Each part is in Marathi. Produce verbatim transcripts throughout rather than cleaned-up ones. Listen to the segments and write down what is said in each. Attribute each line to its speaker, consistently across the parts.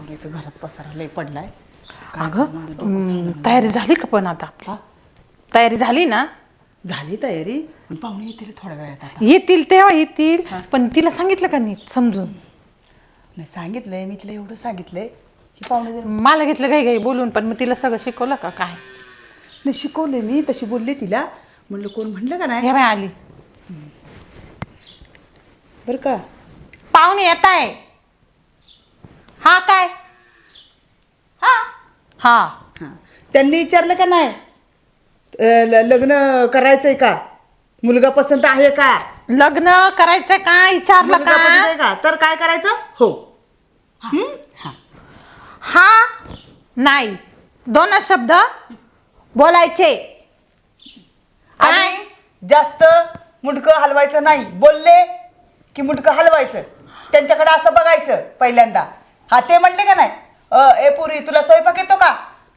Speaker 1: आवरायचं, घरात पसारा लय पडलाय.
Speaker 2: अगं तयारी झाली का पण आता?
Speaker 1: हा
Speaker 2: तयारी झाली ना?
Speaker 1: झाली तयारी. पण पाहुणे येतील थोड्या वेळात आता.
Speaker 2: येतील तेव्हा येतील, पण तिला सांगितलं का नीट समजून?
Speaker 1: नाही सांगितलंय मी तिला, एवढं सांगितलंय की पाहुणे जर
Speaker 2: मला घेतलं काही काही बोलून, पण मग तिला सगळं शिकवलं का काय?
Speaker 1: नाही शिकवले मी, तशी बोलले तिला. म्हणलं कोण म्हणलं का नाही
Speaker 2: हे बाय आली.
Speaker 1: बरं का.
Speaker 2: पाहुणे येत आहे. हा काय? हा हा
Speaker 1: हां त्यांनी विचारलं का नाही अ, ल- लग्न करायचंय का, मुलगा पसंत आहे का,
Speaker 2: लग्न करायचं का विचारलं
Speaker 1: मुलगा पसंत
Speaker 2: का?
Speaker 1: आहे का, तर काय करायचं हो. हं? हां
Speaker 2: हा नाही दोनच शब्द बोलायचे. काय?
Speaker 1: आणि जास्त मुंडकं हलवायचं नाही. बोलले की मुंडकं हलवायचं, त्यांच्याकडे असं बघायचं पहिल्यांदा. हा ते म्हटले का नाही अ ए पुरी तुला स्वयंपाक येतो का.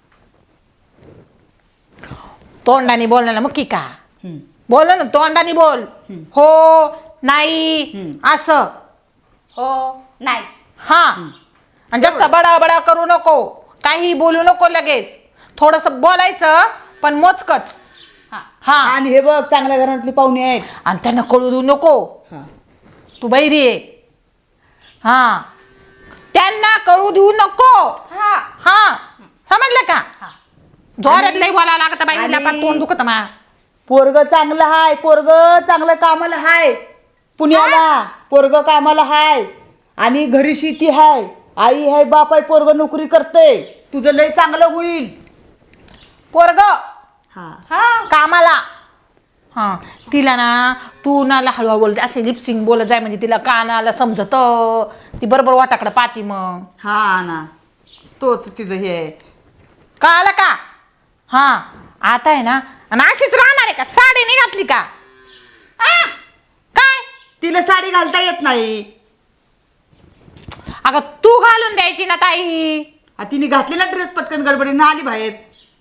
Speaker 2: तोंडाने बोलण्याला मग की का
Speaker 1: हं.
Speaker 2: बोल ना, तोंडाने बोल. हो नाही असं.
Speaker 3: हो नाही.
Speaker 2: हा आणि जास्त बडा बडा करू नको, काही बोलू नको लगेच. थोडस बोलायचं पण मोजकच. हा
Speaker 1: आणि हे बघ चांगल्या घरातली पाहुणे आहेत.
Speaker 2: आणि त्यांना कळू देऊ नको
Speaker 1: हा
Speaker 2: तू बैरी आहे. हा त्यांना कळू देऊ नको.
Speaker 3: हा
Speaker 2: हा समजलं का? जोरात लई बोलावं लागतं बाईला,
Speaker 1: आणि-
Speaker 2: पण तोंड दुखत मा.
Speaker 1: पोरग चांगलं हाय, पोरग चांगलं कामाला हाय पुण्याला, पोरग कामाला हाय आणि घरी शेती हाय, आई हाय, बाप आहे, पोरग नोकरी करते. तुझं लय चांगलं होईल.
Speaker 2: पोरग
Speaker 1: हा
Speaker 3: हा
Speaker 2: कामाला. हा तिला ना तू ना हळूहळू बोलते, असे लिपसिंग बोलत जाय म्हणजे तिला कानाला समजत. ती बरोबर वाटाकडे पाहती. मग
Speaker 1: हा ना तोच तिचं हे आहे.
Speaker 2: कळालं का? हा आता आहे ना. आणि अशीच राहणार आहे का? साडी नाही घातली का? आ? काय
Speaker 1: तिला साडी घालता येत नाही.
Speaker 2: अगं तू घालून द्यायची ना ताई.
Speaker 1: आ, तिने घातली ना ड्रेस पटकन गडबडीनं आली बाहेर.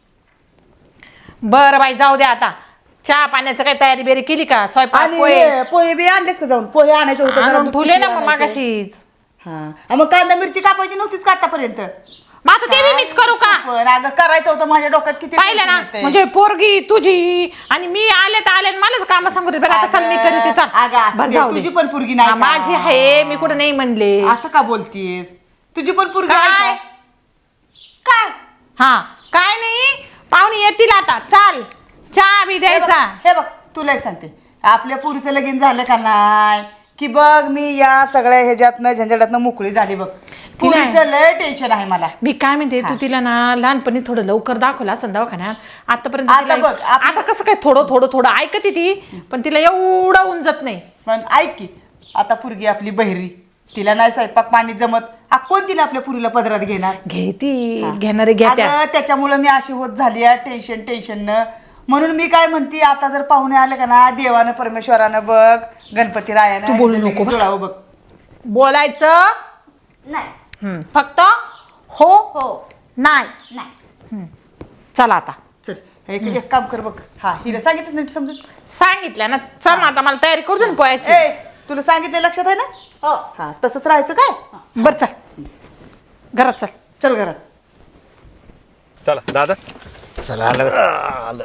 Speaker 2: बरं बाई जाऊ दे आता. चहा पाण्याचं काही तयारी बेरी केली का? स्वयंपाक
Speaker 1: आणि
Speaker 2: पोहे
Speaker 1: हे, पोहे बी आणलेस का जाऊन? पोहे आणायचं होतं जरा,
Speaker 2: आणून
Speaker 1: दूध
Speaker 2: ठेवले ना
Speaker 1: पिशवी
Speaker 2: मग
Speaker 1: आणायचं.
Speaker 2: मागाशीच.
Speaker 1: हा आ, मग कांदा मिरची कापायची नव्हतीच का आतापर्यंत?
Speaker 2: मग आता ते बी मीच करू का?
Speaker 1: पण अगं करायचं होतं, माझ्या डोक्यात किती
Speaker 2: पाहिलं ना,
Speaker 1: tension येतंय.
Speaker 2: म्हणजे पोरगी तुझी आणि मी आले तर आले, मलाच काम सांगू दे. बरं आता चल मी
Speaker 1: अगं,
Speaker 2: करते. चल
Speaker 1: अगं, असू
Speaker 2: बरं,
Speaker 1: दे.
Speaker 2: जाऊ दे.
Speaker 1: तुझी पण पोरगी नाही
Speaker 2: हा,
Speaker 1: का?
Speaker 2: माझी आहे, मी कुठं नाही म्हणले.
Speaker 1: असं का बोलतीयस? तुझी पण पोरगी आहे
Speaker 2: काय
Speaker 1: का?
Speaker 2: काय हा काय नाही. पाहुणे येतील आता. चाल चहा बी
Speaker 1: हे बघ,
Speaker 2: द्यायचा.
Speaker 1: हे बघ तुला एक सांगते, आपल्या पुरीचं लगीन झालं का नाही की बघ मी या सगळ्या ह्याच्यातनं झंझटातनं मोकळी झाली बघ. पुरीचं लय टेन्शन आहे मला.
Speaker 2: मी काय म्हणते, तू तिला ना लहानपणी थोडं लवकर दाखवलं असं दवाखान्यात. आतापर्यंत
Speaker 1: आता
Speaker 2: तिला-
Speaker 1: बघ, आप-
Speaker 2: आता कसं काय थोडं थोडं थोडं ऐकते ती, पण तिला एवढं उंजत नाही.
Speaker 1: पण ऐक की, आता पुरगी आपली बहिरी, तिला नाही स्वयंपाक पाणी जमत. आ, कोण तिला आपल्या पुरीला पदरात घेणार?
Speaker 2: घेती घेणारे घेत्या.
Speaker 1: अगं, त्याच्यामुळं मी अशी होत झाली आहे टेन्शन टेन्शननं. म्हणून मी काय म्हणते, आता जर पाहुणे आले का ना, देवानं परमेश्वरानं बघ, गणपती रायानं
Speaker 2: तू बोलू
Speaker 1: हिला
Speaker 2: नको
Speaker 1: लगीन जुळावं बघ.
Speaker 2: बोलायचं
Speaker 3: नाही.
Speaker 2: हम्म, फक्त हो
Speaker 3: हो
Speaker 2: नाही.
Speaker 3: नाही.
Speaker 2: चला आता
Speaker 1: चल एक एक काम कर बघ. हा हिला सांगितलं नीट समजून.
Speaker 2: सांगितलं ना. चल ना आता मला तयारी करू दे ना पोहायची.
Speaker 1: ए तुला सांगितलं लक्षात आहे ना?
Speaker 3: हो
Speaker 1: हा तसंच राहायचं काय.
Speaker 2: बर चल घरात चल.
Speaker 1: चल घरात.
Speaker 4: चला दादा.
Speaker 5: चला आलं.
Speaker 4: आलं.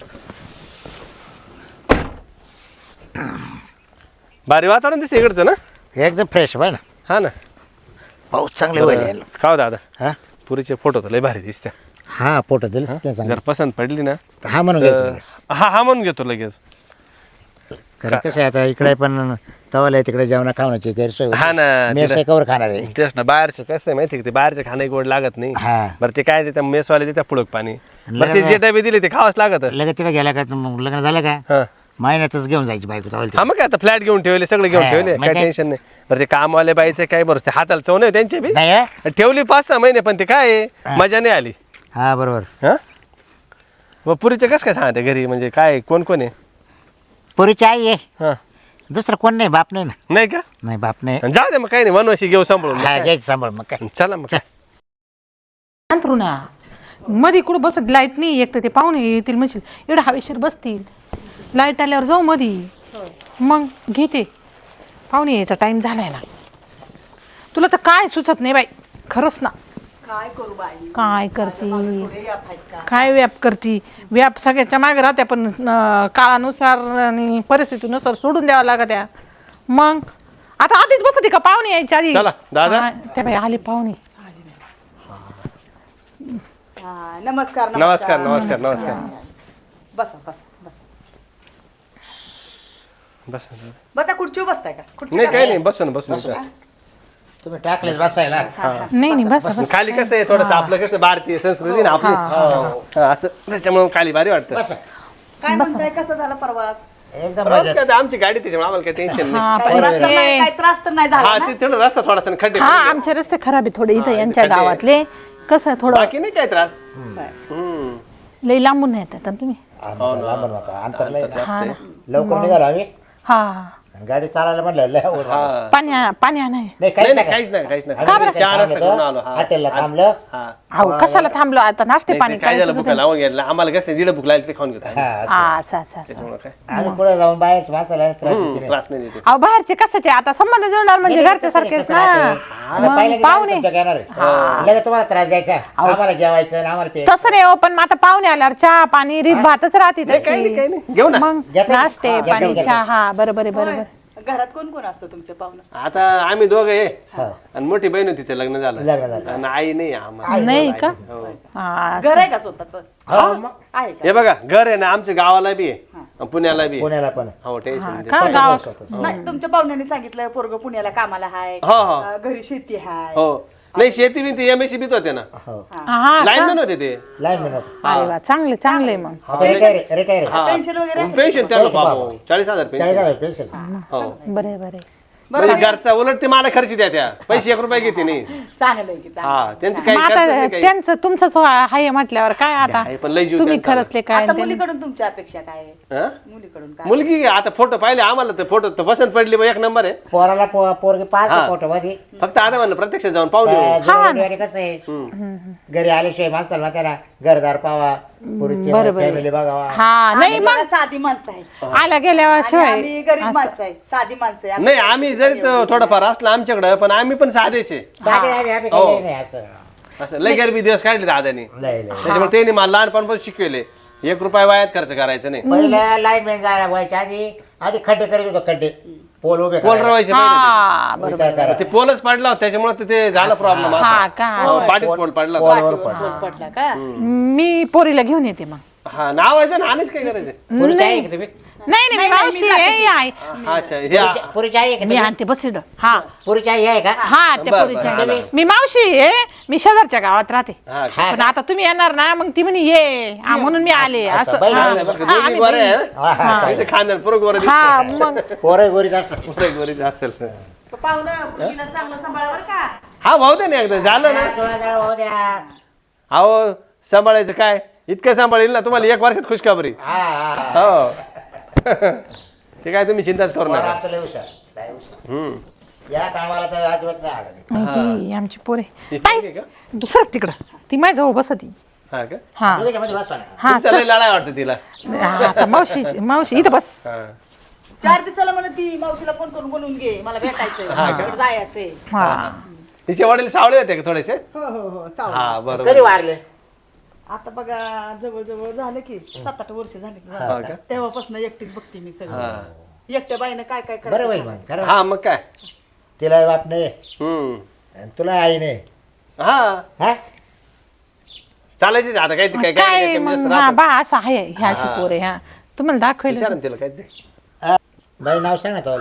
Speaker 4: भारी वातावरण दिसते इकडचं ना.
Speaker 5: एकदम फ्रेश आहे ना.
Speaker 4: हा ना.
Speaker 5: पाऊस चांगले होईल.
Speaker 4: का हो दादा,
Speaker 5: हा
Speaker 4: पुरीचे फोटो तर लय भारी दिसते.
Speaker 5: हा फोटो दिले ते
Speaker 4: जर
Speaker 5: चांगलं.
Speaker 4: पसंत पडली ना
Speaker 5: हा म्हणून घ्यायचं लगेच.
Speaker 4: हा हा म्हणून घेतो लगेच.
Speaker 5: कारण कसं आहे आता इकडे पण तवाला आहे तिकडे जेवणा खावण्याची गैरसोय होती.
Speaker 4: हा ना,
Speaker 5: मेस
Speaker 4: तिला-
Speaker 5: कवर खाणार आहे.
Speaker 4: तेच ना, बाहेरचं कसं आहे माहिती आहे का, ते बाहेरचं खाणं गोड लागत नाही.
Speaker 5: हा.
Speaker 4: बरं ते काय देतात मेसवाले देतात पुढक पाणी. बरं ते
Speaker 5: लग्न-
Speaker 4: जे डबे दिले ते खावंच लागत.
Speaker 5: लगेच तिकडे गेला का मग लग्न झालं का
Speaker 4: हा
Speaker 5: महिन्यातच घेऊन जायची बायको तवाला
Speaker 4: हा मग काय आता फ्लॅट घेऊन ठेवले, सगळे घेऊन
Speaker 5: हा,
Speaker 4: ठेवले,
Speaker 5: मग
Speaker 4: काय
Speaker 5: काय?
Speaker 4: टेन्शन नाही. बरं ते कामवाले बाईचे काय बरं ते हाताला चव नाही त्यांचे बी.
Speaker 5: नाही हा?
Speaker 4: ठेवली पाच सहा महिने पण ते काय आहे, मजा नाही आली.
Speaker 5: हा बरोबर.
Speaker 4: हा मग पुरीचं कसं काय सांगते घरी, म्हणजे काय कोण कोण आहे?
Speaker 5: पोरीची आई आहे,
Speaker 4: हा
Speaker 5: दुसरं कोण नाही, बाप नाही ना.
Speaker 4: नाही का?
Speaker 5: नाही बाप नाही.
Speaker 4: जाऊ दे मग, काही नाही, वनवाशी घेऊ सांभाळून. मग
Speaker 5: हा
Speaker 4: काय?
Speaker 5: घ्यायचं सांभाळ मग काय.
Speaker 4: चला मग काय.
Speaker 2: अंथरुणा मध्ये कुठं बसत लाईट नाही. एक तर ते पाहुणे येतील म्हणशील एवढं हवेशीर बसतील. लाईट आल्यावर जाऊ मधी. मग घेते. पाहुणे यायचा टाइम झालाय ना. तुला तर काय सुचत नाही बाई खरंच ना.
Speaker 1: काय करू बाई
Speaker 2: काय करते
Speaker 1: थोडे याप आहेत का
Speaker 2: काय व्याप करती व्याप सगळ्याच्या मागे राहत्या पण अं, काळानुसार आणि परिस्थितीनुसार सोडून द्यावं लागत्या मग आता आधीच बसते का पाहुणे यायच्या आधी
Speaker 4: चला, दादा.
Speaker 2: हा, त्या बाई आले पाहुणे
Speaker 1: हा, नमस्कार
Speaker 4: नमस्कार नमस्कार नमस्कार
Speaker 1: बसा बसा बसा
Speaker 4: बस
Speaker 1: बसा खुर्चीवर बसताय का खुर्ची
Speaker 4: नाही काही नाही बसून बसून इथं.
Speaker 5: तुम्ही टाकलेच बसायला
Speaker 2: नाही नाही बस बस
Speaker 4: खाली कसं आहे थोडंसं आपलं कसं भारतीय संस्कृती ना आपली हा, असं त्याच्यामुळे खाली भारी वाटतं
Speaker 5: बसा
Speaker 1: काय म्हणताय कसं झाला प्रवास
Speaker 5: एकदम
Speaker 4: प्रवास
Speaker 5: मजेत.
Speaker 4: काय ते आमची गाडी त्याच्यामुळे आम्हाला काही टेन्शन नाही
Speaker 2: हा
Speaker 1: काय त्रास तर नाही काय त्रास तर नाही
Speaker 4: हा
Speaker 1: झाला ना?
Speaker 4: ते थोडं रस्ता थोडासा खड्डे
Speaker 2: हा
Speaker 4: पडले.
Speaker 2: आमचे रस्ते खराब आहे थोडे इथं
Speaker 4: हा,
Speaker 2: यांच्या
Speaker 4: इथे खड्डे.
Speaker 2: गावातले कसं थोडं
Speaker 4: बाकी नाही काय त्रास
Speaker 1: काय?
Speaker 4: हम्म.
Speaker 2: लई लांबून नाही येतात ना तुम्ही
Speaker 5: आम्हाला लांबून होता. अंतर लय ना.
Speaker 2: हा ना.
Speaker 5: लवकर निघालो आम्ही
Speaker 2: हा
Speaker 5: गाडी चालायला म्हटलं लय आवड.
Speaker 4: हा.
Speaker 2: पाणी पाणी नाही
Speaker 5: नाही
Speaker 4: नाही
Speaker 5: काहीच
Speaker 4: नाही
Speaker 5: नाही
Speaker 4: काहीच नाही काहीच
Speaker 5: आम्ही
Speaker 4: नाही
Speaker 5: इथे
Speaker 4: चार
Speaker 5: थांबलो
Speaker 4: वाजता घेऊन
Speaker 5: होतो.
Speaker 4: आलो हा
Speaker 5: हॉटेलला थांबलो
Speaker 4: हा
Speaker 2: अहो कशाला थांबलो आता नाश्ते
Speaker 4: नाही,
Speaker 2: पाणी
Speaker 4: ते काय झालं
Speaker 2: करायचं
Speaker 4: भुका लावून घेतलं आम्हाला कसं दीड भूक लागली ते खाऊन घेतो
Speaker 5: हा, असं.
Speaker 2: हा असं असं असं
Speaker 4: त्याच्यामुळे काय
Speaker 5: आम्ही पुढे जाऊन बाहेर माणसाला त्रास
Speaker 4: हम्म,
Speaker 5: देते नाही.
Speaker 4: त्रास नाही देते
Speaker 2: अहो बाहेरचे कशाचे आता संबंध जुळणार म्हणजे
Speaker 5: नाही,
Speaker 2: घरच्या
Speaker 5: कसं
Speaker 2: सारखेच
Speaker 5: कसं
Speaker 2: ना
Speaker 5: राहते. आता
Speaker 2: मग
Speaker 5: पहिल्या दिवशी
Speaker 2: पाहुणे
Speaker 5: तुमच्या घेणार आहे. लगेच तुम्हाला त्रास द्यायचा आम्हाला जेवायचं आणि आम्हाला प्यायचं.
Speaker 2: तसं नाही हो पण मग आता पाहुणे आल्यावर चहा पाणी रीत भातच राहते
Speaker 4: नाही, काही नाही काही
Speaker 2: तशी
Speaker 4: नाही घेऊ ना
Speaker 2: मग
Speaker 5: घेता-
Speaker 2: नाश्ते
Speaker 5: हा, घेता-
Speaker 2: पाणी
Speaker 5: घेता.
Speaker 2: चहा बरोबर आहे बरोबर
Speaker 1: होय. घरात कोण कोण असतं तुमच्या पाहुणं
Speaker 4: आता आम्ही दोघे आहे
Speaker 5: हा.
Speaker 4: आणि मोठी बहीण होती तिचं लग्न झालं
Speaker 5: लग्न झालं.
Speaker 4: आणि आई नाही आम्हाला
Speaker 2: नाही का
Speaker 4: हो.
Speaker 2: हा
Speaker 1: घर आहे का स्वतःच
Speaker 5: हो, मग
Speaker 1: आहे का
Speaker 4: हे बघा घर आहे ना आमच्या गावाला बी आहे आणि पुण्याला बी आहे.
Speaker 5: पुण्याला पण
Speaker 4: हो टेन्शन
Speaker 2: का गाव
Speaker 1: नाही तुमच्या पाहुण्याने सांगितलं पोरग पुण्याला कामाला हाय
Speaker 4: हो हो
Speaker 1: अं, घरी शेती हाय
Speaker 4: हो नाही शेती बी ती एम एस सी बीत होते ना
Speaker 5: हो
Speaker 2: हा
Speaker 4: लाईनमॅन होते ते
Speaker 5: लाईन मिळत
Speaker 2: अरे वा चांगले चांगले मग
Speaker 5: आता रिटायर रिटायर
Speaker 4: हा.
Speaker 1: पेन्शन वगैरे असेल?
Speaker 4: पेन्शन त्याला
Speaker 5: पैसे
Speaker 4: बाबा
Speaker 5: बाबा.
Speaker 4: चाळीस हजार पेन्शन
Speaker 5: चाळीस पेन्शन
Speaker 4: हो
Speaker 2: बरे बरे
Speaker 4: म्हणजे घरचा उलट ते मला खर्च द्या त्या पैसे एक रुपये घेते नाही
Speaker 1: चांगलं आहे की चांगलं
Speaker 4: हा त्यांची काही
Speaker 2: मग
Speaker 4: खर्च
Speaker 2: आता
Speaker 4: नाही काही
Speaker 2: त्यांचं तुमचंच हाय म्हटल्यावर काय आता
Speaker 4: आहे, पण लय जीव
Speaker 2: तुम्ही
Speaker 4: त्यांचा.
Speaker 2: खरचले काय
Speaker 1: आता
Speaker 2: आणि त्यांनी-
Speaker 1: मुलीकडून तुमच्या अपेक्षा काय आहे?
Speaker 4: हा?
Speaker 1: मुलीकडून काय
Speaker 4: मुलगी आता फोटो पाहिले आम्हाला तर फोटो तर पसंत पडली बा, एक नंबर आहे
Speaker 5: पोराला पो- पोरगी पाच
Speaker 4: हा.
Speaker 5: फोटो मध्ये
Speaker 4: फक्त आता म्हणलं प्रत्यक्ष जाऊन पाहून येऊ.
Speaker 5: जुळवणी कसं आहे घरी आल्याशिवाय माणसाला त्याला घरदार पावा पुरीची फॅमिली बघावा
Speaker 2: हा नाही
Speaker 1: आम्ही बघा साधी माणसं आहे
Speaker 2: आल्या गेल्यावर
Speaker 1: आणि
Speaker 2: शिवाय
Speaker 1: आम्ही गरीब माणसं आहे साधी माणसं आहे
Speaker 4: नाही आम्ही जरी तो थोडंफार असलं आमच्याकडं पण आम्ही पण साधेच आहे
Speaker 5: साधे आम्ही आम्ही
Speaker 4: हो.
Speaker 5: काही नाही असं
Speaker 4: असं लय गरबी दिवस काढले दादानी
Speaker 5: लय लय
Speaker 4: त्याच्यामुळे त्यांनी मला लहानपणापासून शिकवले एक रुपया वायात खर्च करायचा नाही
Speaker 5: पहिल्या लाईन मॅन जायला व्हायच्या आधी आधी खड्डे करीत होतो खड्डे पोल उभे
Speaker 4: पोल
Speaker 5: करायला.
Speaker 4: रवायचे पहिले
Speaker 2: हा
Speaker 5: विचार करा.
Speaker 4: ते. ते पोलच पडला होता त्याच्यामुळे तर ते झाला प्रॉब्लेम
Speaker 2: हा का
Speaker 4: पाठीत पोल पडला होता.
Speaker 5: पोलवर
Speaker 1: पोल
Speaker 5: पडला.
Speaker 1: पडला का
Speaker 2: मी पोरीला घेऊन येते मग
Speaker 4: हा नाव आहे ना आणच काय करायचं
Speaker 5: पुरीची आहे का तुम्ही
Speaker 2: नाही नाही मी मावशी आहे आहे.
Speaker 4: अच्छा हे आ-
Speaker 5: पुरीची- पुरीची आहे का
Speaker 2: मी
Speaker 5: तुम्ही?
Speaker 2: आणते बस इकडं. हा
Speaker 5: पुरीची आई आहे का
Speaker 2: हा त्या
Speaker 4: बरं,
Speaker 2: पोरीच्या
Speaker 4: बरं,
Speaker 2: आहे. मी मावशी आहे मी शेजारच्या गावात राहते
Speaker 4: हा
Speaker 5: हा
Speaker 2: पण आता तुम्ही येणार ना मग ती म्हणे ये हा, म्हणून मी आले असं
Speaker 5: बहिणी
Speaker 2: हा.
Speaker 5: आहे
Speaker 4: बरं का,
Speaker 2: हा,
Speaker 4: दोन्ही
Speaker 2: आम्ही
Speaker 4: गोरे आहे
Speaker 2: बहिणी.
Speaker 5: हा, हा.
Speaker 4: ना? त्यांचं खानदान पुरं गोरं
Speaker 2: हा मग
Speaker 5: पोरं गोरीच असं
Speaker 4: दिसतं. गोरीचं असेल
Speaker 1: पाहुणं मुलगीला चांगलं सांभाळावर का
Speaker 4: हा भाऊ दे ना एकदा झालं ना
Speaker 5: थोडा जरा होऊ द्या.
Speaker 4: अहो सांभाळायचं काय इतकं सांभाळेल ना तुम्हाला एक वर्षात खुशखबरी
Speaker 5: हा, हा, हा.
Speaker 4: हो ते काय तुम्ही चिंताच करू
Speaker 5: पोरं
Speaker 4: नका
Speaker 5: आमचं लय हुशार, लय हुशार.
Speaker 4: हम्म
Speaker 5: या कामाला तर अजिबात नाही आडत.
Speaker 2: ही आमची पोरे
Speaker 4: ती
Speaker 2: ताई
Speaker 4: पोरगी का?
Speaker 2: दुसरं तिकडं ती माझ्याजवळ बसती
Speaker 4: हा का
Speaker 2: हा
Speaker 5: दोघीच्यामध्ये बसवा ना.
Speaker 2: हा
Speaker 4: तुमचं लय लढाई वाटतं तिला
Speaker 2: हा, आता मावशी मावशी इथं बस
Speaker 4: हा.
Speaker 1: चार दिवसाला म्हणत ती मावशीला फोन करून बोलवून घे मला भेटायचंय मावशीकडे जायचंय
Speaker 2: हा
Speaker 4: तिचे वडील सावळे होते का थोडेसे
Speaker 1: हो हो हो सावं.
Speaker 4: हा
Speaker 5: कधी
Speaker 4: बरोबर
Speaker 5: वारले
Speaker 1: आता बघा जवळ जवळ झालं की सात आठ वर्ष झाले की
Speaker 4: हा का?
Speaker 1: तेव्हापासून एकटीच बघते मी सगळं
Speaker 4: हा
Speaker 1: एकट्या बाईनं काय काय
Speaker 5: बरं होईल
Speaker 1: करायचं
Speaker 5: मग खरं
Speaker 4: हा मग काय
Speaker 5: तिला बाप नाही
Speaker 4: हम्म
Speaker 5: आणि तुला आई नाही
Speaker 4: हा
Speaker 5: हा
Speaker 4: चालायचीच आता काय ते काय
Speaker 2: काय
Speaker 4: काय कमी जास्त
Speaker 2: मग हा
Speaker 4: राहतं.
Speaker 2: बा असं आहे ह्या अशी पोरे ह्या तुम्हाला दाखवायला
Speaker 4: विचारा ना तिला काय ते
Speaker 5: बाई नाव सांग ना तो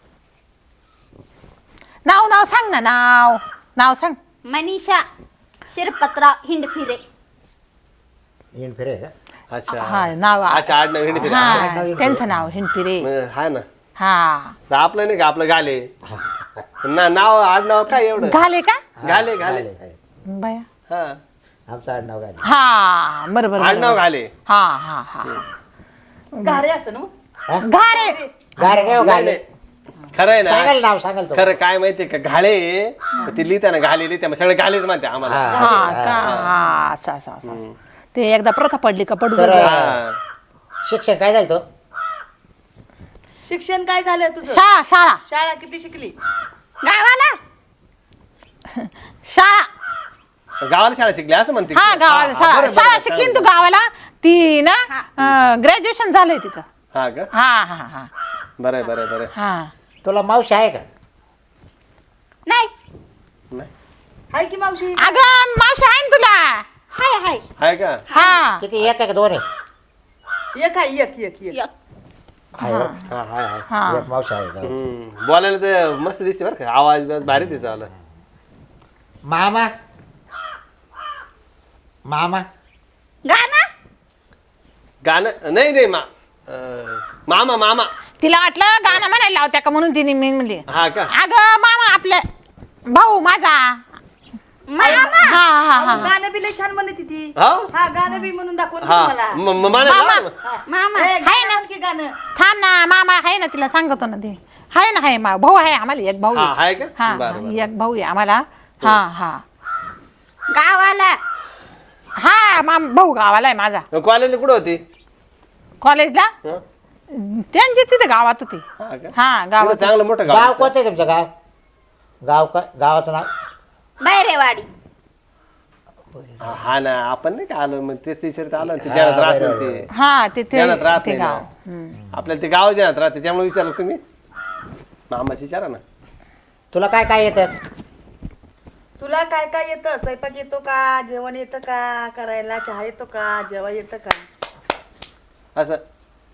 Speaker 2: नाव नाव सांग ना नाव नाव सांग
Speaker 3: मनीषा शिरपतराव हिंडफिरे
Speaker 5: येऊन फिरे का
Speaker 4: अच्छा
Speaker 2: हा नाव
Speaker 4: अच्छा आड नवीन फिरा
Speaker 2: हा त्यांचं नाव हिंडपिरे
Speaker 4: हा ना
Speaker 2: हा
Speaker 4: तर आपलं नाही का आपलं गाले ना नाव आड नाव काय एवढं
Speaker 2: घाले का
Speaker 4: घाले घाले
Speaker 5: घाले, घाले.
Speaker 2: बाया
Speaker 4: हा
Speaker 5: आमचं आडनाव घाले
Speaker 2: हा बरोबर
Speaker 4: आड नाव
Speaker 2: बरोबर.
Speaker 4: घाले
Speaker 2: हा हा हा
Speaker 1: घारे असं ना मग?
Speaker 5: हा?
Speaker 2: घारे
Speaker 5: गारे काय हो,
Speaker 4: नाही,
Speaker 5: घाले
Speaker 4: नाही. खरं आहे ना
Speaker 5: सांगाल नाव सांगाल तो
Speaker 4: खरं काय माहितीये का घाले तर ती लिहिताना घाले लिहिते मग सगळे घालेच म्हणते आम्हाला
Speaker 5: हा.
Speaker 2: हा का हा असं असं असं असं. ते एकदा प्रथा पडली का पडू
Speaker 5: तर
Speaker 2: दे.
Speaker 4: हा.
Speaker 5: शिक्षण काय झालं तो
Speaker 1: शिक्षण काय झालं तुझं
Speaker 2: शाळा शाळा
Speaker 1: शाळा किती शिकली
Speaker 2: गावाला शाळा
Speaker 4: गावाला शाळा शिकली असं म्हणते
Speaker 2: हा गावाला शाळा
Speaker 4: बरं,
Speaker 2: शाळा
Speaker 4: बरं,
Speaker 2: शिकली ना
Speaker 4: चांगलं.
Speaker 2: तू गावाला ती ना ग्रॅज्युएशन झालंय तिचं
Speaker 4: हा का
Speaker 2: हा हा हा
Speaker 4: बरं बरं बरं
Speaker 2: हा
Speaker 5: तुला मावशी आहे का?
Speaker 3: नाही
Speaker 4: नाही
Speaker 1: हाय की मावशी
Speaker 2: अगं मावशी आहे ना तुला
Speaker 3: हाय हाय
Speaker 4: आहे का
Speaker 2: हा
Speaker 5: किती एक आहे का दोन आहे?
Speaker 1: एक आहे एक एक एक
Speaker 3: एक.
Speaker 5: आहे हो.
Speaker 4: हा हाय हाय
Speaker 2: हा
Speaker 5: एक मावशी आहे का?
Speaker 4: हम्म. बोलायला तर मस्त दिसते बरं का आवाज बिवाज भारी तिचा आला
Speaker 5: मामा मामा
Speaker 3: गाणं
Speaker 4: गाणं नाही नाही मा अं, मामा मामा
Speaker 2: तिला वाटलं गाणं म्हणायला लावत्या का म्हणून तिने मी म्हणली
Speaker 4: हा का
Speaker 2: अगं मामा आपल्या भाऊ माझा
Speaker 3: मामा
Speaker 2: हा हा हा
Speaker 1: गाणं बी लय छान म्हणते ती
Speaker 4: हा
Speaker 1: हा गाणं बी म्हणून दाखवून
Speaker 4: हा
Speaker 1: मला
Speaker 4: म- म- म्हणायला लाव ना.
Speaker 3: मामा
Speaker 1: ए,
Speaker 2: हाय
Speaker 1: गाणं
Speaker 2: ना.
Speaker 1: म्हण की गाणं
Speaker 2: थांब ना मामा आहे ना तिला सांगतो ना ते आहे ना आहे मा भाऊ आहे आम्हाला एक भाऊ
Speaker 4: हा
Speaker 2: आहे.
Speaker 4: आहे का
Speaker 2: हा
Speaker 4: बरं
Speaker 2: हा,
Speaker 4: बरं
Speaker 2: एक भाऊ आहे आम्हाला हा हा
Speaker 3: गावाला
Speaker 2: हा माम भाऊ गावाला आहे माझा
Speaker 4: कॉलेजला कुठं होती
Speaker 2: कॉलेजला
Speaker 4: हं?
Speaker 2: त्यांची तिथे गावात होती
Speaker 4: हा का
Speaker 2: हा
Speaker 4: तिकडं
Speaker 2: गावात
Speaker 4: चांगलं मोठं
Speaker 5: गाव
Speaker 4: गाव
Speaker 5: कोणतं आहे तुमचं गाव? गाव का गावाचं नाव?
Speaker 3: बैरेवाडी
Speaker 4: हा हा ना आपण नाही का आलो मग तेच विचारत आलो ना, ते ध्यानात राहत
Speaker 5: बरं,
Speaker 4: नाही ते
Speaker 2: हा तिथे
Speaker 4: ध्यानात राहत
Speaker 2: ते
Speaker 4: नाही
Speaker 2: गाव
Speaker 4: ना.
Speaker 2: हम्म.
Speaker 4: आपल्याला ते गाव ध्यानात राहते त्यामुळे विचारलं तुम्ही मामाची विचारा ना
Speaker 5: तुला काय काय येतं?
Speaker 1: तुला काय काय येतं स्वयंपाक येतो का जेवण येतं का करायला चहा येतो का जेवण येतं का
Speaker 4: असं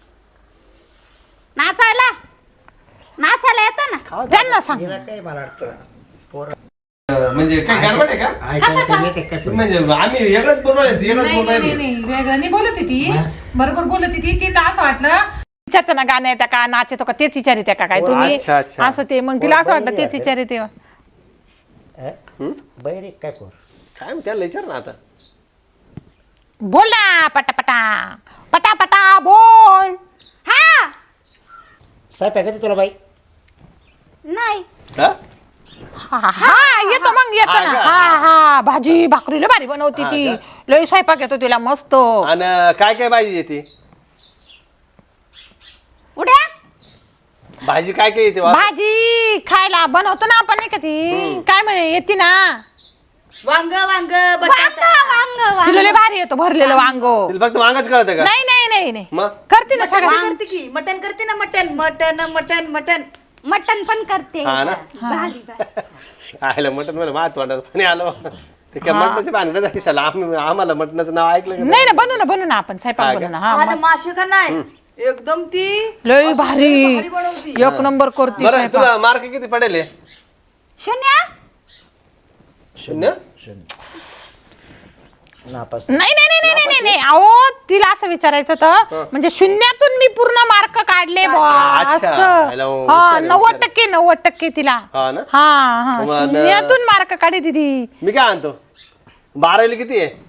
Speaker 3: नाचायला नाचायला येतं ना
Speaker 4: खावा
Speaker 2: त्यांना सांग
Speaker 5: हिला काय मला वाटतं पोरं
Speaker 4: म्हणजे काय गडबड आहे का
Speaker 5: ऐकायला तर येते का तुला?
Speaker 4: म्हणजे आम्ही वेगळंच बोलू राहिले वेगळंच
Speaker 2: नाही
Speaker 4: बोलू
Speaker 2: नाही
Speaker 4: राहिले
Speaker 2: नाही वेगळं नाही बोलत ती बरोबर बोलत ती तिला असं वाटलं विचारताना गाणं येतं का नाच येतो का तेच विचारित्या का काय तुम्ही
Speaker 4: अच्छा, अच्छा.
Speaker 2: असं ते मग तिला असं वाटलं तेच विचारिते
Speaker 5: हं? बहिरी काय पोर?
Speaker 4: काय मग त्याला विचार ना आता
Speaker 2: बोल ना पटापटा पटापटा बोल
Speaker 3: हा
Speaker 5: स्वयंपाक येते तुला बाई?
Speaker 3: नाही
Speaker 4: हा?
Speaker 2: हा हा येतो मग येतो
Speaker 4: हा
Speaker 2: ना
Speaker 4: का?
Speaker 2: हा हा भाजी भाकरी लय भारी बनवती
Speaker 4: हा
Speaker 2: ती
Speaker 4: का?
Speaker 2: लय स्वयंपाक येतो तिला मस्त
Speaker 4: आणि काय काय भाजी येते
Speaker 3: उड्या
Speaker 4: भाजी काय काय येते वा?
Speaker 2: भाजी खायला बनवतो ना आपण नाही का ती काय म्हणे येते ना
Speaker 1: वांग वांग
Speaker 3: वांग
Speaker 1: बटाटा
Speaker 3: वांग
Speaker 2: तिला लय भारी येतो भरलेलं वांगो
Speaker 4: तिला फक्त वांगच कळतं का
Speaker 2: नाही नाही नाही नाही
Speaker 4: मग
Speaker 2: करते ना
Speaker 1: मटण
Speaker 2: सगळं
Speaker 1: करते की मटण करते ना मटण मटण मटण मटण
Speaker 3: मटन पण करते
Speaker 4: हा ना?
Speaker 3: भारी भारी
Speaker 4: आयला मटण मला मात तोंडात पाणी आलं ते काय मटणाचे भानगड झाली साला आम्ही आम्हाला मटणाचं नाव ऐकलं का
Speaker 2: नाही ना बनवू ना बनवू ना आपण
Speaker 4: हा
Speaker 2: स्वयंपाक
Speaker 4: का?
Speaker 2: बनवू ना हा
Speaker 1: आणि
Speaker 2: मग.
Speaker 1: मासे का नाही एकदम ती
Speaker 2: लय
Speaker 1: अशी
Speaker 2: भारी
Speaker 1: लय भारी बनवती
Speaker 2: एक नंबर करते
Speaker 4: बरं
Speaker 2: स्वयंपाक.
Speaker 4: तुला मार्क किती पडेल हे?
Speaker 3: शून्य
Speaker 4: शून्य
Speaker 5: नापास.
Speaker 2: नाही नाही नाही नाही नाही नाही अहो तिला असं विचारायचं होतं म्हणजे शून्यातून मी पूर्ण मार्क काढले बुवा
Speaker 4: अच्छा.
Speaker 2: असं
Speaker 4: हॅलो,
Speaker 2: हा
Speaker 4: हुशार आहे,
Speaker 2: नव्वद
Speaker 4: हुशार आहे.
Speaker 2: टक्के नव्वद टक्के तिला
Speaker 4: हा ना
Speaker 2: हा हा
Speaker 4: मग,
Speaker 2: शून्यातून मार्क काढी दिदी
Speaker 4: मी काय आणतो बारावीला किती आहे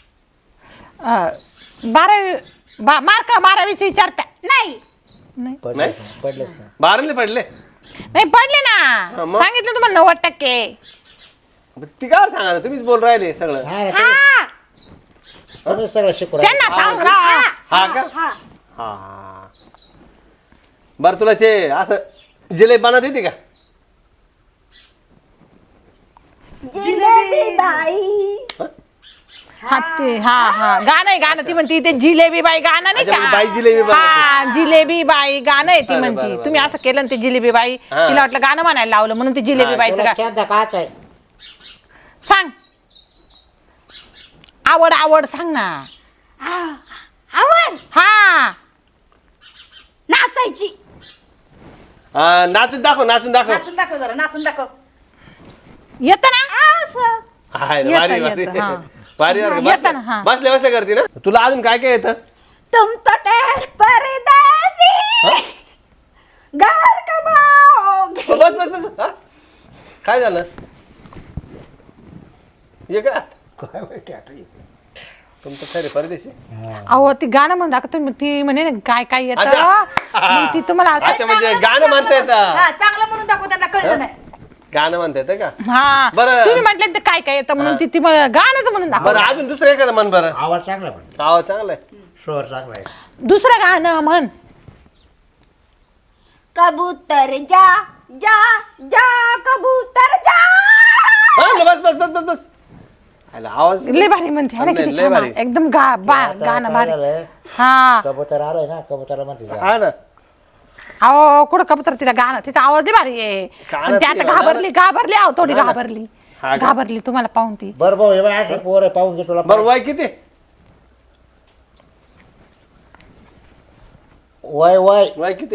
Speaker 2: बारावी बा- मार्क बारावीची विचारता
Speaker 3: नाही
Speaker 2: नाही
Speaker 5: पडलं
Speaker 4: नाही?
Speaker 5: पडलंच ना.
Speaker 4: बारावीला पडले
Speaker 2: नाही पडले
Speaker 4: हा,
Speaker 2: ना
Speaker 4: मग?
Speaker 2: सांगितलं तुम्हाला नव्वद टक्के
Speaker 4: ती काय सांगा ना तुम्हीच बोल राहिले सगळं
Speaker 5: हा ना, तुम्ही-
Speaker 3: हा
Speaker 5: तुम्ही सगळं शिकू
Speaker 2: त्यांना सांग ना
Speaker 4: हा का
Speaker 3: हा
Speaker 4: हा बरं तुला ते असं जिलेबी बनवता येते का
Speaker 3: जिलेबी बाई
Speaker 2: हा ते हा हा गाणं आहे गाणं ती म्हणती ते जिलेबी बाई गाणं नाही
Speaker 4: अच्छा, म्हणजे बाई
Speaker 2: का
Speaker 4: जिलेबी बनवते.
Speaker 2: हा जिलेबी बाई गाणं आहे ती
Speaker 4: बरं,
Speaker 2: म्हणती
Speaker 4: बरं,
Speaker 2: तुम्ही असं केलं ना ते जिलेबी बाई
Speaker 4: हा.
Speaker 2: तिला वाटलं गाणं म्हणायला लावलं म्हणून ते जिलेबी
Speaker 4: हा,
Speaker 2: बाईचं
Speaker 5: तुला
Speaker 2: गा
Speaker 5: शब्द काच आहे.
Speaker 2: सांग आवड आवड सांग ना
Speaker 3: आवड
Speaker 2: हा
Speaker 3: नाचायची
Speaker 4: हा, नाचून दाखव नाचून दाखव
Speaker 1: नाचून दाखव जरा नाचून दाखव
Speaker 2: येत ना
Speaker 3: असं
Speaker 4: हाय,
Speaker 2: येतं,
Speaker 4: भारी भारी
Speaker 2: येतं, हा.
Speaker 4: भारी
Speaker 2: हा,
Speaker 4: भारी
Speaker 2: येतं ना, हा.
Speaker 4: बसल्या बसल्या करते ना तुला अजून काय काय येतं
Speaker 3: तुम तो ठहर परदेसी घर कमाओगे
Speaker 4: बस बस बस हा? काय झालं ये का
Speaker 5: काय माहिती आता हे.
Speaker 4: तुमचं खरे परदेशी
Speaker 2: अहो ती गाणं म्हणता का तुम्ही ती म्हणे ना काय काय येतं
Speaker 4: अच्छा.
Speaker 2: मग ती तुम्हाला असं
Speaker 4: अच्छा म्हणजे गाणं म्हणता येतं
Speaker 1: हा चांगलं म्हणून दाखव त्यांना कळलं नाही
Speaker 4: गाणं म्हणता येतं का
Speaker 2: हा
Speaker 4: बरं.
Speaker 2: तुम्ही म्हटलं ते काय काय येतं म्हणून ती ती मला गाणंच म्हणून दाखव
Speaker 4: बरं अजून दुसरं एखादं म्हण बरं
Speaker 5: आवाज चांगला पण
Speaker 4: आवाज चांगला आहे
Speaker 5: स्वर चांगला आहे.
Speaker 2: दुसरं गाणं म्हण
Speaker 3: कबूतर जा जा जा कबूतर जा
Speaker 4: हा, बस बस बस बस बस आला आवाज
Speaker 2: लय भारी म्हणते है ना
Speaker 4: नाही,
Speaker 2: किती
Speaker 4: लय
Speaker 2: छान
Speaker 4: भारी.
Speaker 2: आहे. एकदम गा बा- गाणं भारी हा
Speaker 5: कबूतर आलाय ना कबूतरला म्हणते जा.
Speaker 4: हा ना
Speaker 2: अहो कुठं कबूतर तिला गाणं तिचा आवाज लय भारी आहे
Speaker 4: गाणं
Speaker 2: पण ती आता
Speaker 4: तिला
Speaker 2: घाबरली घाबरली आहो थोडी घाबरली
Speaker 4: हा का?
Speaker 2: घाबरली तुम्हाला पाहून ती
Speaker 5: बरं भाऊ हे बाय अशी पोर आहे पाहून घे तुला
Speaker 4: बरं वय किती
Speaker 5: वय वय
Speaker 4: वय किती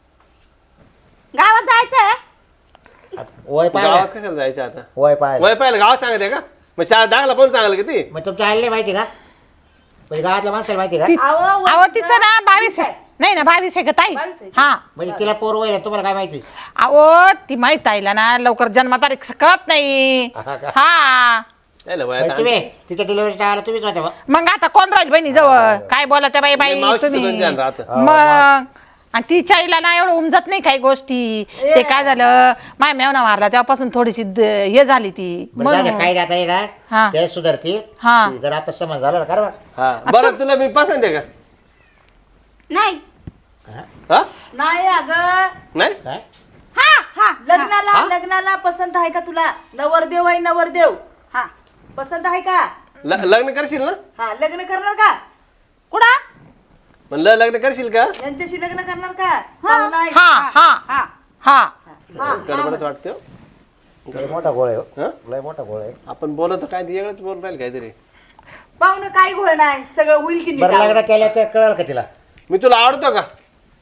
Speaker 3: गावात जायचंय
Speaker 5: वय पाहिलं
Speaker 4: गावात कशाला जायचं आता
Speaker 5: वय पाहिलं
Speaker 4: वय पाहिलं गावात सांगते का मग शाळा दाखला पण सांगाल किती
Speaker 5: मग तुमच्या आलेले माहिती का म्हणजे गावातल्या माणसाला माहिती का
Speaker 2: ती-
Speaker 1: अहो,
Speaker 2: अहो तिचं ना बावीस आहे नाही ना बावीस आहे का ताई
Speaker 1: बावीस आहे.
Speaker 2: हा
Speaker 5: म्हणजे तिला पोर वय तुम्हाला काय माहिती
Speaker 2: अहो ती माहित आईला ना लवकर जन्मतारीख कळत नाही
Speaker 5: हा का?
Speaker 2: हा
Speaker 4: यायला वय
Speaker 5: म्हणजे
Speaker 4: आता.
Speaker 5: तुम्ही तिच्या डिलिव्हरी टाळायला तुम्हीच होत्या बा.
Speaker 2: मग आता कोण राहील बहिणी जवळ काय बोला त्या बाई बाई
Speaker 4: मावशीचं
Speaker 2: तुम्ही
Speaker 4: पण ध्यान राहतं.
Speaker 2: मग आणि तिच्या आईला ना एवढं उमजत नाही काही गोष्टी ते काय झालं माय मेवना मारला तेव्हापासून थोडीशी द- हे झाली ती
Speaker 5: बरं जाऊ द्या,
Speaker 2: म्हणून
Speaker 5: काही आता
Speaker 2: हा.
Speaker 5: येणार ते सुधारतील
Speaker 2: हा
Speaker 5: जर आपण समज झाला ना खरं
Speaker 4: हा बरं तुला मी पसंत आहे का
Speaker 3: नाही
Speaker 4: हा
Speaker 1: नाही अगं
Speaker 4: नाही
Speaker 5: काय
Speaker 3: हा हा
Speaker 1: लग्नाला लग्नाला पसंत आहे का तुला नवरदेव आहे नवरदेव
Speaker 3: हा
Speaker 1: पसंत आहे का
Speaker 4: ल- लग्न करशील ना
Speaker 1: हा लग्न करणार का
Speaker 3: कुठं
Speaker 4: म्हणलं लग्न करशील का
Speaker 1: यांच्याशी लग्न करणार का पाहुणा आहे.
Speaker 2: हा हा
Speaker 3: हा
Speaker 2: हा
Speaker 1: हा,
Speaker 4: गडबडच वाटतं
Speaker 5: लय मोठा गोळ आहे हो.
Speaker 4: हा
Speaker 5: लय मोठा गोळ आहे
Speaker 4: आपण बोलतो काय ते वेगळंच बोलून राहील काहीतरी
Speaker 1: पाहुणं काही घोळ नाही सगळं होईल की
Speaker 5: बरं
Speaker 1: नीट
Speaker 5: लग्न केलं तर कळलं का तिला
Speaker 4: मी तुला आवडतो का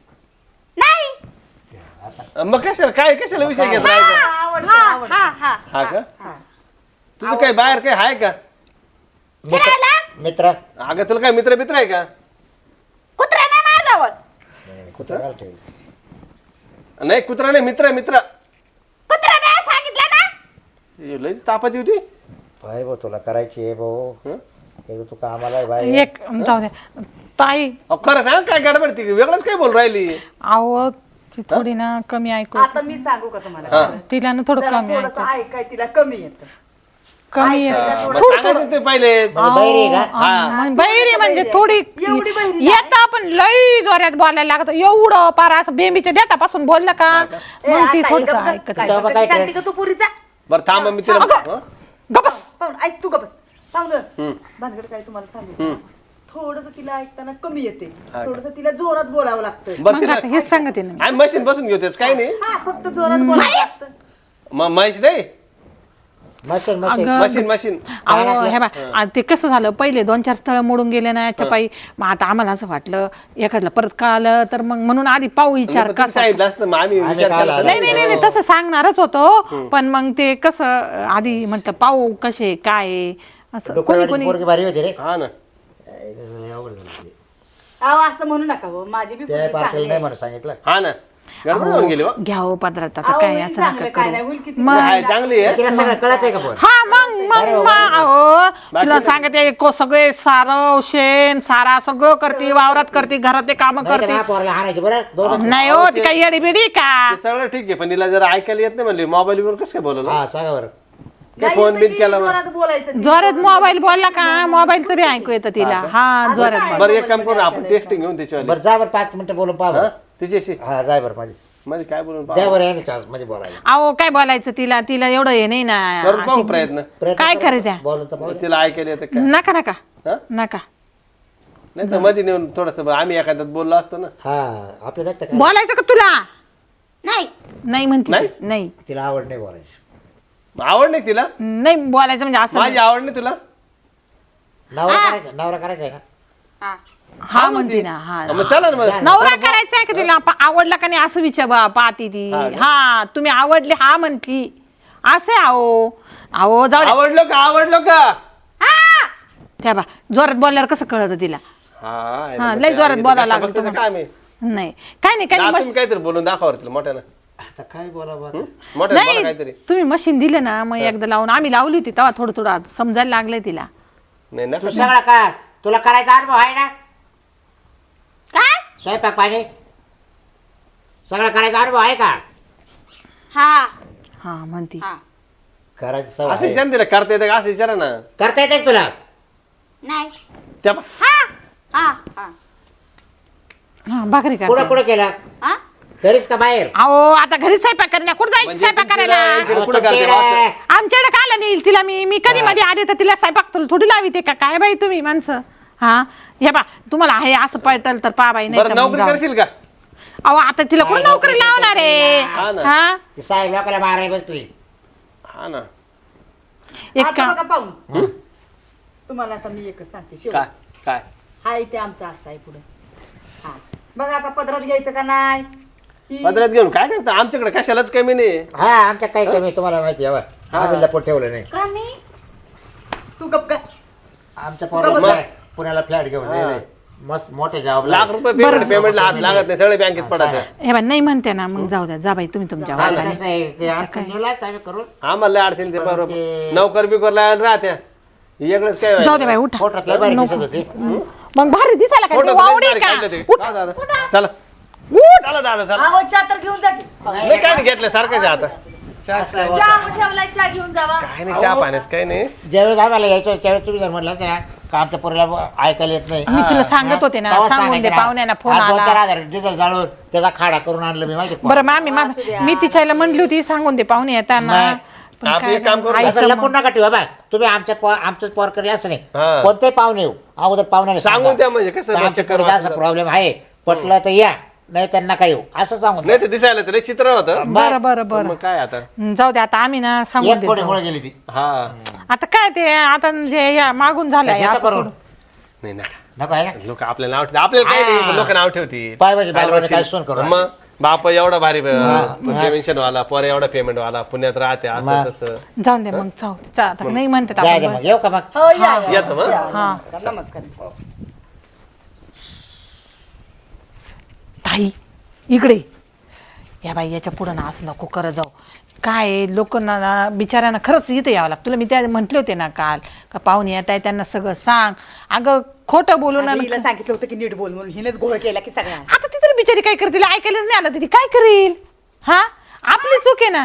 Speaker 3: नाही
Speaker 4: मग कशाला काय कशाला विषय घेत राहायचा
Speaker 1: आवडतं
Speaker 3: हा
Speaker 1: आवडतं.
Speaker 3: हा हा
Speaker 4: हा का तुझं काय बाहेर काय आहे का
Speaker 5: मित्र मित्र
Speaker 4: अगं तुला काय मित्र मित्र आहे का
Speaker 3: कुत्रा नाही माझ्याजवळ
Speaker 5: कुत्रा घालतोय.
Speaker 4: नाही कुत्रा नाही मित्र मित्र
Speaker 3: कुत्रा नाही सांगितलं ना
Speaker 4: हे लयच तापाची होती
Speaker 5: पाय भाऊ तुला करायची आहे भाऊ
Speaker 4: हं?
Speaker 5: एक तू कामाला आहे बाई
Speaker 2: एक जाऊ द्या ताई
Speaker 4: अहो, खरं सांग काय गडबड ती वेगळंच काय बोल राहिली
Speaker 2: अहो ती थोडी ना कमी ऐकू
Speaker 1: आता मी सांगू का तुम्हाला
Speaker 2: तिला ना थोडं
Speaker 1: जरा
Speaker 2: कमी
Speaker 1: थोडस
Speaker 2: ऐकू
Speaker 1: ऐकाय तिला कमी येतं
Speaker 2: कमी
Speaker 1: ऐकायचं
Speaker 2: आहे.
Speaker 1: थोडं-
Speaker 4: मग सांगायचं ते पहिलेच
Speaker 5: म्हणजे बहिरी आहे का
Speaker 2: अहो, मग बहिरी म्हणजे थोडी
Speaker 1: एवढी बहिरी
Speaker 2: येत आपण लई जोरात बोलायला लागत एवढं पार असं बेंबीच्या देठापासून बोललं का
Speaker 1: ए,
Speaker 2: मग ती
Speaker 1: आता
Speaker 2: थोडस
Speaker 1: ऐकत-
Speaker 2: ऐकत
Speaker 1: काय-
Speaker 5: तेव्हा
Speaker 1: कशी
Speaker 5: काय
Speaker 1: सांगते का तू पुरीचा
Speaker 4: बरं थांब मी तिला
Speaker 2: अगं.
Speaker 4: हं?
Speaker 2: गपस
Speaker 1: पाहून ऐक तू गबस पाहुणं
Speaker 4: हं.
Speaker 1: भानगड काय तुम्हाला सांगितलं थोडस तिला ऐकताना कमी येते
Speaker 4: का?
Speaker 1: थोडस तिला जोरात बोलावं लागतं
Speaker 4: बरं
Speaker 2: मग
Speaker 4: तिला
Speaker 2: आता हेच सांगते ना मी.
Speaker 4: आम्ही मशीन बसून घेऊ त्याच काही नाही
Speaker 1: हा फक्त जोरात बोलावं लागतं
Speaker 4: मग महेश नाही
Speaker 5: मशीन मशीन
Speaker 2: अगं,
Speaker 4: मशीन मशीन
Speaker 2: अहो हे बा ते कसं झालं पहिले दोन चार स्थळ मोडून गेले ना याच्या पायी मग आता आम्हाला असं वाटलं एखादं परत का आलं तर मग म्हणून आधी पाहू विचार
Speaker 4: पण तिने
Speaker 2: कसा
Speaker 4: सांगितलं असतं मग आम्ही
Speaker 5: आम्ही
Speaker 4: विचार
Speaker 5: काय
Speaker 4: केला
Speaker 5: लावलं?
Speaker 2: नाही नाही नाही नाही, तसं सांगणारच होतो पण मग ते कसं आधी म्हटलं पाहू कसे काय आहे, असं कोणी
Speaker 5: डोक्यावरची
Speaker 2: कोणी
Speaker 5: पोरगी भारी होती रे
Speaker 4: हा ना
Speaker 5: अवघड झालं ते.
Speaker 1: अहो असं म्हणू नका हो माझी बी
Speaker 5: त्या
Speaker 1: पोरगी
Speaker 5: पाटील
Speaker 1: चांगली
Speaker 5: नाही
Speaker 1: आहे.
Speaker 5: म्हणून सांगितलं
Speaker 4: हा ना गडबड होऊन गेली हो.
Speaker 2: घ्या हो पदरात आता
Speaker 1: अहो,
Speaker 2: काय
Speaker 1: होईल
Speaker 2: असं
Speaker 1: चांगलं,
Speaker 2: नका
Speaker 1: काय नाही
Speaker 2: करू
Speaker 1: होईल किती
Speaker 2: मग-
Speaker 4: हाय, चांगली आहे
Speaker 5: तिला सगळं कळत आहे का पण
Speaker 2: हा मग मग मग अहो तुला सांगते को- सगळे सारं शेण सारा सगळं करते वावरात करते घरात काम
Speaker 5: नाही तर
Speaker 2: करते
Speaker 5: हा पोराला हाणायची बरं दोघं
Speaker 2: नाही हो ती काही येडी बिडी का
Speaker 4: ते सगळं ठीक आहे पण तिला जर ऐकायला येत नाही म्हणले मोबाईल वर कसं काय बोलवलं
Speaker 5: हा सांगा बरं
Speaker 1: नाही
Speaker 4: फोन
Speaker 1: येतं
Speaker 4: बिन
Speaker 1: की
Speaker 4: केला मग.
Speaker 1: जोरात बोलायचं तिला.
Speaker 2: जोरात मोबाईल बोलला का मोबाईलचं बी ऐकू येतं तिला हा जोरात
Speaker 1: काय?
Speaker 4: बरं एक काम करू आपण टेस्टिंग घेऊन त्याच्यावर
Speaker 5: बरं जा बरं पाच मिनिटं बोलून पाहा
Speaker 4: हा
Speaker 5: बरं.
Speaker 4: तिच्याशी
Speaker 5: हा जाय बरं माझी
Speaker 4: मध्ये काय बोलून
Speaker 5: द्या
Speaker 4: पाहू.
Speaker 5: बरं याने चान्स मध्ये बोलायला
Speaker 2: अहो काय बोलायचं तिला तिला एवढं हे नाही
Speaker 4: करून
Speaker 2: ना
Speaker 4: पाहू प्रयत्न
Speaker 5: प्रयत्न
Speaker 2: काय
Speaker 5: करा.
Speaker 2: करे त्या?
Speaker 5: बोलून तर पाहू द्या.
Speaker 4: तिला ऐकायला येतं काय
Speaker 2: नका नका
Speaker 4: हा
Speaker 2: नका
Speaker 4: नाही तर मध्ये नेऊन थोडस आम्ही एखाद्यात बोललो असतो ना
Speaker 5: हा आपल्या जास्त काय
Speaker 2: बोलायचं का तुला
Speaker 3: नाही
Speaker 2: नाही म्हणते
Speaker 4: नाही?
Speaker 2: ती. नाही
Speaker 5: तिला आवड नाही बोलायची
Speaker 4: आवड नाही तिला
Speaker 2: नाही बोलायचं म्हणजे असं
Speaker 4: माझी आवड नाही तुला
Speaker 5: नवरा करायचा नवरा करायचा आहे ना
Speaker 3: हा
Speaker 2: हा म्हणते ना हा
Speaker 4: मग चला ना मग
Speaker 2: नवरा करायचा आहे का तिला पा- आवडला का नाही असं विचार बा- पाहती ती
Speaker 4: हा का?
Speaker 2: हा तुम्ही आवडले हा म्हणती असे आहो अहो जाऊ द्या.
Speaker 4: आवडलो का आवडलो का
Speaker 2: त्या बा जोरात बोलल्यावर कसं कळत तिला
Speaker 4: हा
Speaker 2: हा, लय जोरात बोलायला लागलं
Speaker 4: बसायचं
Speaker 2: तुम्हाला.
Speaker 4: काम आहे
Speaker 2: नाही काय नाही काय नाही
Speaker 4: दातून काहीतरी बोलून दाखवा तिला मोठ्यानं
Speaker 5: आता काय बोलावं आता?
Speaker 4: मोठ्यानं बोला
Speaker 2: नाही
Speaker 4: काहीतरी
Speaker 2: तुम्ही मशीन दिले ना मग एकदा लावून आम्ही लावली होती तेव्हा थोडं थोडं आता समजायला लागलंय तिला
Speaker 4: नाही
Speaker 5: तू
Speaker 4: नका
Speaker 5: सगळं का तुला करायचा अनुभव आहे ना
Speaker 3: काय
Speaker 5: स्वयंपाक पाणी सगळं करायचा अनुभव आहे का
Speaker 3: हा
Speaker 2: हा म्हणती
Speaker 3: हा
Speaker 5: करायची सवय
Speaker 4: असं
Speaker 5: आहे.
Speaker 4: विचार तिला करता येतं का असं विचारा ना
Speaker 5: करता येते तुला
Speaker 3: नाही
Speaker 4: त्या
Speaker 3: हा हा हा
Speaker 2: हा भाकरी
Speaker 5: कुठं
Speaker 2: का
Speaker 5: कुठं केलं
Speaker 3: हा
Speaker 5: घरीच का बाहेर
Speaker 2: अहो आता घरी स्वयंपाक करण्या कुठं जायचं
Speaker 4: म्हणजे
Speaker 2: स्वयंपाक करायला
Speaker 4: तुमच्या कुठं करते बा असं?
Speaker 2: आमच्याकडे काला नेईल तिला मी मी कधी मध्ये आले तर तिला स्वयंपाक तुला थोडी लाविते का काय बाई तुम्ही माणसं हा हे बा तुम्हाला आहे असं पळतल तर पा बाई नाही
Speaker 4: बरं
Speaker 2: तर मग
Speaker 4: नोकरी
Speaker 2: जाऊ.
Speaker 4: करशील का
Speaker 2: अहो आता तिला कुठं नोकरी लावणार आहे
Speaker 4: हा ना.
Speaker 2: हा
Speaker 5: ती साहेब लोकांना मारायला बसली
Speaker 4: हा ना
Speaker 2: एक
Speaker 1: आता
Speaker 2: काम
Speaker 1: बघा पाहून तुम्हाला आता मी एकच सांगते
Speaker 4: काय
Speaker 1: शेवट
Speaker 4: काय
Speaker 1: हाय ते आमचं असं आहे पुढे हा बघा आता पदरात घ्यायचं का नाही ही-
Speaker 4: पदरात घेऊन काय करता आमच्याकडे कशालाच कमी नाही
Speaker 5: हा आमच्या काही कमी तुम्हाला माहिती आहे बा. आम्ही लपून ठेवलं नाही
Speaker 3: का मी
Speaker 1: तू गप काय
Speaker 5: आमच्या
Speaker 1: बघ.
Speaker 5: पोराला पुण्याला फ्लॅट घेऊन गेले मस्त मोठे जॉब
Speaker 4: लाख रुपये पेमेंट पेमेंटला हात लागत नाही सगळे बँकेत पडत आहे.
Speaker 2: हे बा नाही म्हणते ना मग जाऊ द्या जा बाई तुम्ही तुमच्या वादाने.
Speaker 5: कसं आहे ते आणखी नेलाच आम्ही करून
Speaker 4: आम्हाला लय अडचण ते बरोबर
Speaker 5: ते-
Speaker 4: नोकर बिकर लावायला राहत्या वेगळंच काय
Speaker 2: जाऊ दे बाई उठा
Speaker 5: फोटोत लय भारी दिसत होती
Speaker 2: मग भारी दिसायला काय
Speaker 4: फोटो
Speaker 2: ते वावडी का उठ
Speaker 4: चला चला दादा चला
Speaker 1: आहो चहा तर घेऊन जा की
Speaker 4: नाही काय नाही घेतलं सारखं चहा आता चहा
Speaker 5: असं
Speaker 1: चहा ठेवलाय चहा घेऊन जावा
Speaker 4: काय नाही चहा पाण्यास काही नाही
Speaker 5: ज्यावेळेस आम्हाला यायचं त्यावेळेस तुम्ही जर म्हटलं ना का आमच्या पोरीला ऐकायला येत नाही
Speaker 2: मी तुला सांगत होते ना
Speaker 5: तेव्हा
Speaker 2: सांगून दे
Speaker 5: सांगायचं ना.
Speaker 2: पाहुण्यांना फोन
Speaker 5: आज दोन चार
Speaker 2: आला
Speaker 5: हजार डिझेल जाळून त्याचा खाडा करून आणलं मी माहिती
Speaker 2: बरं मामी मा मी तिच्याला म्हणली होती सांगून दे पाहुणे येताना
Speaker 5: नाही.
Speaker 2: पण
Speaker 4: आपण
Speaker 2: काय
Speaker 4: एक काम करू,
Speaker 2: आई
Speaker 5: असं
Speaker 2: समोर-
Speaker 5: लपून नका ठेवा बा तुम्ही आमच्या पो- आमचंच पोर करेल असं नाही
Speaker 4: हा.
Speaker 5: कोणते पाहुणे येऊ अगोदर पाहुण्याला
Speaker 4: सांगून द्या म्हणजे कसं चक्कर
Speaker 5: असा प्रॉब्लेम आहे पटलं तर या नाही तर नका येऊ असं सांगून द्या.
Speaker 4: नाही ते दिसायला तर लय चित्र होतं
Speaker 2: बरं बरं बरं
Speaker 4: मग काय आता
Speaker 2: जाऊ दे आता आम्ही ना सांगून
Speaker 5: एक कोणी
Speaker 2: देतो
Speaker 5: मुळे गेली ती
Speaker 4: हा
Speaker 2: आता काय ते आता जे या मागून झालंय
Speaker 5: घेता
Speaker 2: असं
Speaker 5: करून
Speaker 2: थोडं.
Speaker 4: नाही नका
Speaker 5: नको आहे ना
Speaker 4: लोक आपल्याला नाव ठेवतील आपल्याला काही नाही
Speaker 5: हा.
Speaker 4: लोक नाव ठेवतील
Speaker 5: पाय म्हणजे
Speaker 4: काय
Speaker 5: बालवाडी
Speaker 4: बघशील?
Speaker 5: काय सोन करू
Speaker 4: मग बाप एवढा भारी
Speaker 5: हा.
Speaker 4: पेन्शन वाला पोर एवढा पेमेंट वाला पुण्यात राहते असं
Speaker 5: मग.
Speaker 4: तसं
Speaker 2: जाऊन दे मग जाऊ दे. चा- आता नाही म्हणतात
Speaker 5: द्या
Speaker 2: आपण
Speaker 5: द्या
Speaker 2: बस.
Speaker 5: मग येऊ का मग
Speaker 1: हो या या,
Speaker 4: येतो मग.
Speaker 1: या.
Speaker 2: हा.
Speaker 1: नमस्कार नमस्कार
Speaker 2: ताई इकडे या बाई याच्या पुढं ना असं नको करत जाऊ काय लोक ना बिचाऱ्यांना खरंच इथं यावं लागतं तुला मी त्या म्हटले होते ना काल का पाहुणे येत आहे त्यांना सगळं सांग अगं खोटं बोलू ना
Speaker 1: आधी हिला सांगितलं होतं की नीट बोल म्हणून हिनेच घोळ केला की सगळ्या
Speaker 2: आता ती तरी बिचारी काय करतील ऐकायलाच नाही आलं तरी काय करेल हा आपली चूक आहे ना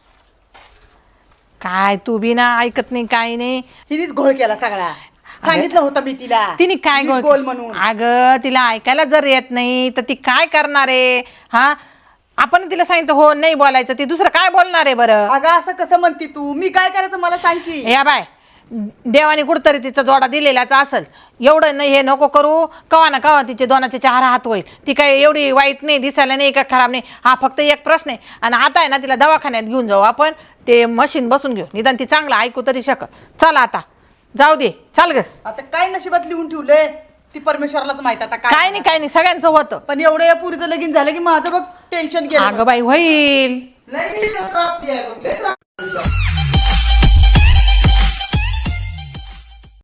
Speaker 2: काय तू बी ना ऐकत नाही काय नाही
Speaker 1: हिनेच घोळ केला सगळा सांगितलं होतं मी तिला
Speaker 2: तिने काय
Speaker 1: नीट
Speaker 2: गोल
Speaker 1: बोल म्हणून
Speaker 2: अगं तिला ऐकायला जर येत नाही तर ती काय करणार आहे हा आपण तिला सांगितलं हो नाही बोलायचं ती दुसरं काय बोलणार आहे बरं
Speaker 1: अगं असं कसं म्हणती तू मी काय करायचं मला सांग की
Speaker 2: या बाय देवाने कुठतरी तिचा जोडा दिलेलाच असेल एवढं नाही हे नको करू कवा ना कवा तिचे दोनाचे चार हात होईल ती काय एवढी वाईट नाही दिसायला नाही का खराब नाही हा फक्त एक प्रश्न आहे आणि आता आहे ना तिला दवाखान्यात घेऊन जाऊ आपण ते मशीन बसून घेऊ निदान ती चांगलं ऐकू तरी शकत चल आता जाऊ दे चाल ग
Speaker 1: आता काय नशिबात लिहून ठेवलंय ती परमेश्वरालाच माहित आता
Speaker 2: काय नाही काय नाही सगळ्यांचं होतं
Speaker 1: पण एवढं या पुरीचं लगीन झालं की माझं बघ टेन्शन गेलं
Speaker 2: अगं बाई होईल
Speaker 1: लई त्रास दिलाय बघ, लई त्रास.